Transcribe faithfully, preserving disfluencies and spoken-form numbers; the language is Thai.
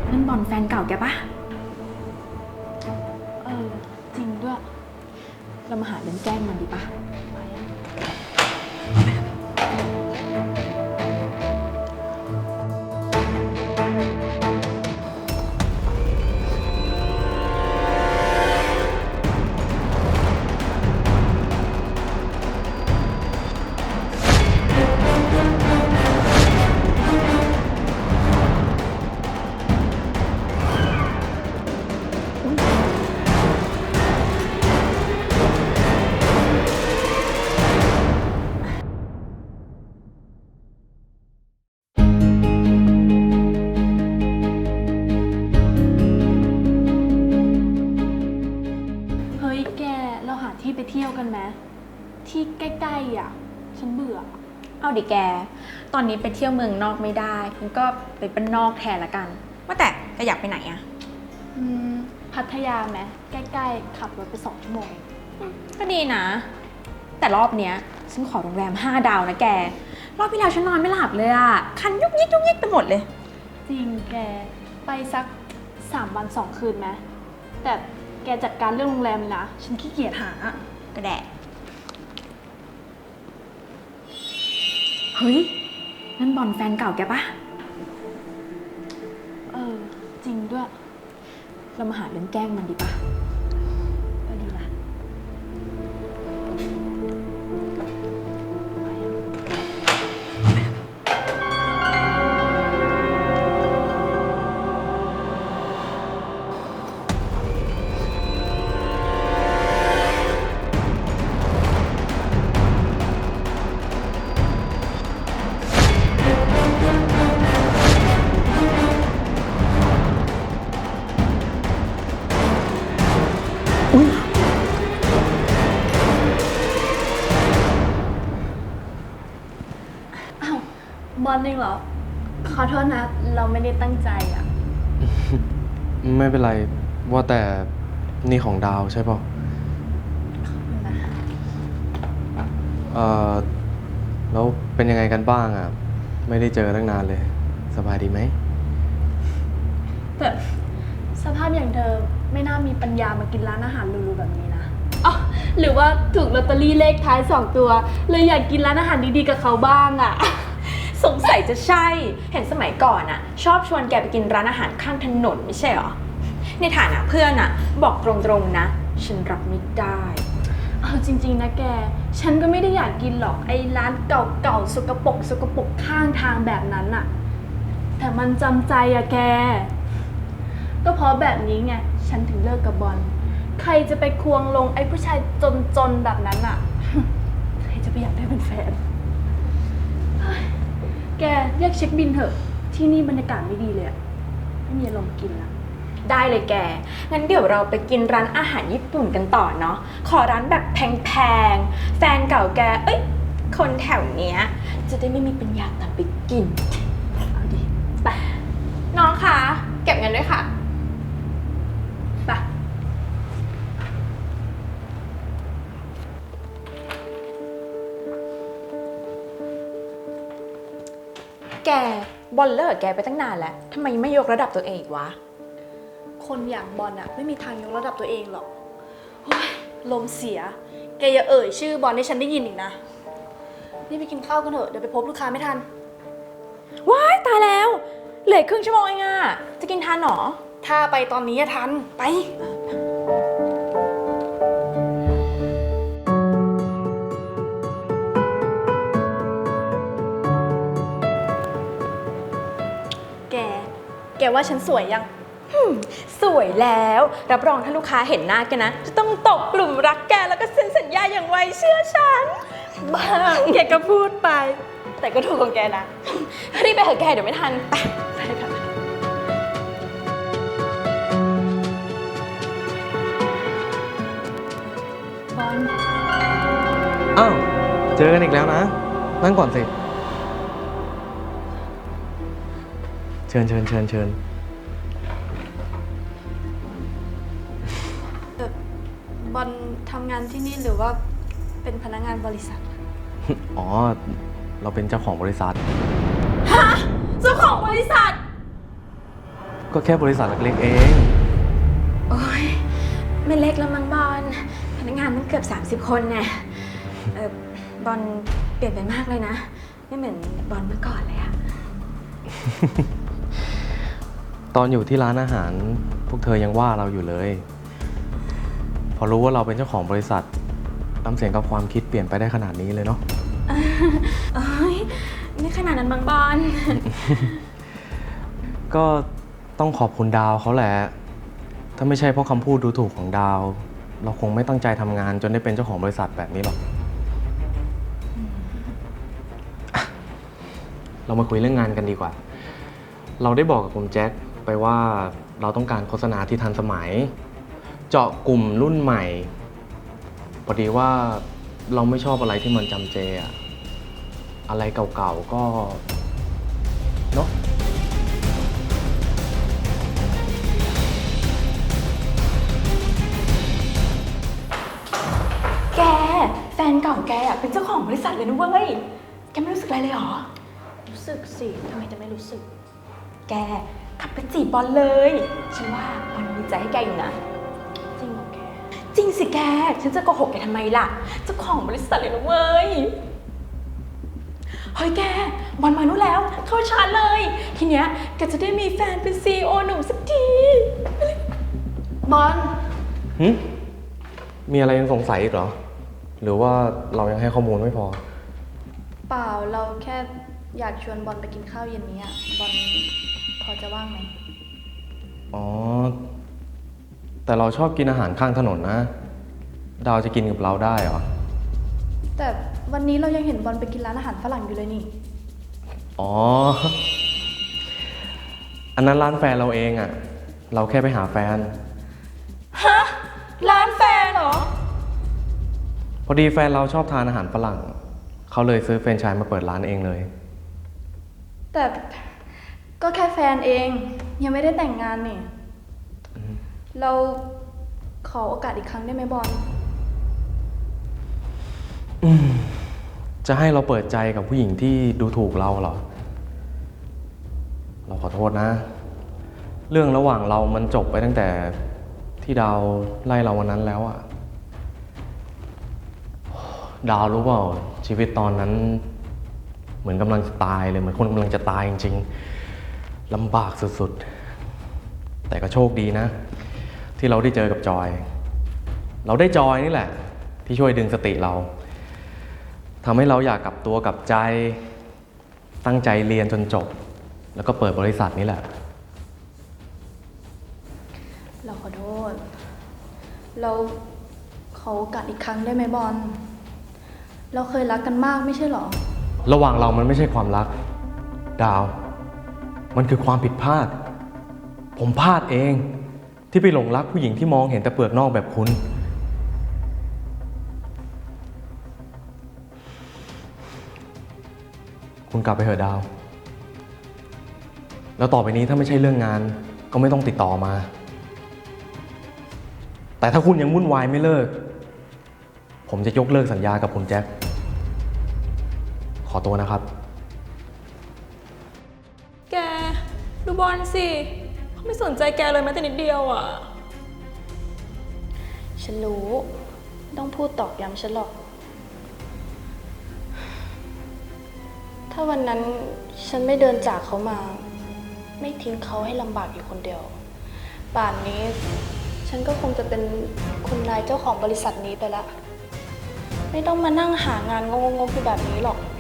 นั่นบอลแฟนเก่าแกปะเออจริงด้วยเรามาหาเรื่องแกล้งมันดีปะเฮ้ยแกเราหาที่ไปเที่ยวกันไหมที่ใกล้ๆอ่ะฉันเบื่อเอาดิแกตอนนี้ไปเที่ยวเมืองนอกไม่ได้งั้นก็ไปบ้านนอกแทนละกันว่าแต่แกอยากไปไหนอะอืมพัทยาไหมใกล้ๆขับรถไปสองชั่วโมงก็ดีนะแต่รอบเนี้ยฉันขอโรงแรมห้าดาวนะแกรอบที่แล้วฉันนอนไม่หลับเลยอะคันยุกยิกยุกยิกไปหมดเลยจริงแกไปสักสามวันสองคืนไหมแต่แกจัดการเรื่องโรงแรมเลยนะฉันขี้เกียจหาก็แดะเฮ้ยนั่นบอลแฟนเก่าแกปะเออจริงด้วยเรามาหาเรื่องแกล้งมันดีปะก็ดีละบอลเองเหรอขอโทษนะเราไม่ได้ตั้งใจอ่ะไม่เป็นไรว่าแต่นี่ของดาวใช่ป่ะเอ่อแล้วเป็นยังไงกันบ้างอ่ะไม่ได้เจอตั้งนานเลยสบายดีไหมแต่สภาพอย่างเธอไม่น่ามีปัญญามากินร้านอาหารหรูๆแบบนี้นะอ๋อหรือว่าถูกลอตเตอรี่เลขท้ายสองตัวเลยอยากกินร้านอาหารดีๆกับเขาบ้างอ่ะสงสัยจะใช่เห็นสมัยก่อนอะชอบชวนแกไปกินร้านอาหารข้างถนนไม่ใช่หรอในฐานะเพื่อนอะบอกตรงๆนะฉันรับไม่ได้เอาจริงๆนะแกฉันก็ไม่ได้อยากกินหรอกไอ้ร้านเก่าๆสกปรกสกปรกข้างทางแบบนั้นอะแต่มันจำใจอะแกก็เพราะแบบนี้ไงฉันถึงเลิกกับบอลใครจะไปควงลงไอ้ผู้ชายจนๆแบบนั้นอะใครจะไปอยากได้เป็นแฟนแกเรียกเช็คบินเถอะที่นี่บรรยากาศไม่ดีเลยอะไม่มีอารมณ์กินละได้เลยแกงั้นเดี๋ยวเราไปกินร้านอาหารญี่ปุ่นกันต่อเนาะขอร้านแบบแพงๆแฟนเก่าแกเอ้ยคนแถวเนี้ยจะได้ไม่มีปัญญาตามไปกินเอาดิไปน้องคะเก็บเงินด้วยค่ะไปแกบอลเลิกแกไปตั้งนานแล้วทำไมไม่ยกระดับตัวเองอีกวะคนอย่างบอลอะไม่มีทางยกระดับตัวเองหรอกโอ้ยลมเสียแกอย่าเอ่ยชื่อบอลให้ฉันได้ยินอีกนะนี่ไปกินข้าวกันเถอะเดี๋ยวไปพบลูกค้าไม่ทันว้ายตายแล้วเหลือครึ่งชั่วโมงเองอะจะกินทันหรอถ้าไปตอนนี้ทันไปแกแกว่าฉันสวยยังสวยแล้วรับรองถ้าลูกค้าเห็นหน้าแกนะจะต้องตกกลุ่มรักแกแล้วก็เซ็นสัญญาอย่างไวเชื่อฉันบ้าแกก็พูดไปแต่ก็ถูกของแกนะรีบไปเถอะแกเดี๋ยวไม่ทันไปไปค่ะบอลอ้าวเจอกันอีกแล้วนะนั่งก่อนสิเชิญเชิญเชิญเชิญบอลทำงานที่นี่หรือว่าเป็นพนักงานบริษัทอ๋อเราเป็นเจ้าของบริษัทฮะเจ้าของบริษัทก็แค่บริษัทเล็กๆเองโอ้ยไม่เล็กแล้วมั้งบอลพนักงานมันเกือบ สามสิบ คนแน่เออบอลเปลี่ยนไปมากเลยนะ ไม่เหมือนบอลเมื่อก่อนเลยอะตอนอยู่ที่ร้านอาหารพวกเธอยังว่าเราอยู่เลย พอรู้ว่าเราเป็นเจ้าของบริษัทน้ำเสียงกับความคิดเปลี่ยนไปได้ขนาดนี้เลยเนาะโอ้ยไม่ขนาดนั้นมั้งบอลก็ต้องขอบคุณดาวเขาแหละ ถ้าไม่ใช่เพราะคำพูดดูถูกของดาว เราคงไม่ตั้งใจทำงานจนได้เป็นเจ้าของบริษัทแบบนี้หรอกอ่ะเรามาคุยเรื่องงานกันดีกว่า เราได้บอกกับคุณแจ็คไปว่าเราต้องการโฆษณาที่ทันสมัย เจาะกลุ่มรุ่นใหม่ พอดีว่าเราไม่ชอบอะไรที่มันจำเจอะอะไรเก่าๆก็เนาะแกแฟนเก่าแกอะเป็นเจ้าของบริษัทเลยนะเว้ย แกไม่รู้สึกอะไรเลยเหรอรู้สึกสิทำไมจะไม่รู้สึกแกขับไปจีบบอลเลย ฉันว่าบอลมีใจให้แกอยู่นะจริงเหรอแกจริงสิแก ฉันจะโกหกแกทำไมล่ะ เจ้าของบริษัทเลยนะเว้ย เฮ้ยแก บอลมานู่นแล้ว เข้าชาร์จเลย ทีเนี้ยแกจะได้มีแฟนเป็นซีอีโอหนุ่มสักทีบอลหึมีอะไรยังสงสัยอีกเหรอ หรือว่าเรายังให้ข้อมูลไม่พอเปล่าเราแค่อยากชวนบอลไปกินข้าวเย็นนี้อะบอลพอจะว่างไหมอ๋อ แต่เราชอบกินอาหารข้างถนนนะ ดาวจะกินกับเราได้เหรอแต่วันนี้เรายังเห็นบอลไปกินร้านอาหารฝรั่งอยู่เลยนี่อ๋อ อันนั้นร้านแฟนเราเองอะ เราแค่ไปหาแฟนฮะ ร้านแฟนเหรอพอดีแฟนเราชอบทานอาหารฝรั่ง เขาเลยซื้อแฟรนไชส์มาเปิดร้านเองเลยแต่ก็แค่แฟนเองยังไม่ได้แต่งงานนี่ เราขอโอกาสอีกครั้งได้ไหมบอลจะให้เราเปิดใจกับผู้หญิงที่ดูถูกเราเหรอ เราขอโทษนะ เรื่องระหว่างเรามันจบไปตั้งแต่ที่ดาวไล่เราวันนั้นแล้วอะดาวรู้เปล่าชีวิตตอนนั้น เหมือนกำลังจะตายเลยเหมือนคนกำลังจะตายจริงๆลำบากสุดๆ แต่ก็โชคดีนะ ที่เราได้เจอกับจอย เราได้จอยนี่แหละ ที่ช่วยดึงสติเราทำให้เราอยากกลับตัวกลับใจ ตั้งใจเรียนจนจบ แล้วก็เปิดบริษัทนี้แหละเราขอโทษ เราขอโอกาสอีกครั้งได้ไหมบอล เราเคยรักกันมากไม่ใช่หรอระหว่างเรามันไม่ใช่ความรัก ดาว มันคือความผิดพลาด ผมพลาดเองที่ไปหลงรักผู้หญิงที่มองเห็นแต่เปลือกนอกแบบคุณ คุณกลับไปเถอะดาว แล้วต่อไปนี้ถ้าไม่ใช่เรื่องงานก็ไม่ต้องติดต่อมา แต่ถ้าคุณยังวุ่นวายไม่เลิก ผมจะยกเลิกสัญญากับคุณแจ็ค ขอตัวนะครับแก ดูบอลสิเขาไม่สนใจแกเลยแม้แต่นิดเดียวอ่ะฉันรู้ไม่ต้องพูดตอกย้ำฉันหรอก ถ้าวันนั้นฉันไม่เดินจากเขามา ไม่ทิ้งเขาให้ลำบากอยู่คนเดียว ป่านนี้ ฉันก็คงจะเป็นคุณนายเจ้าของบริษัทนี้ไปละ ไม่ต้องมานั่งหางานงงๆอยู่แบบนี้หรอก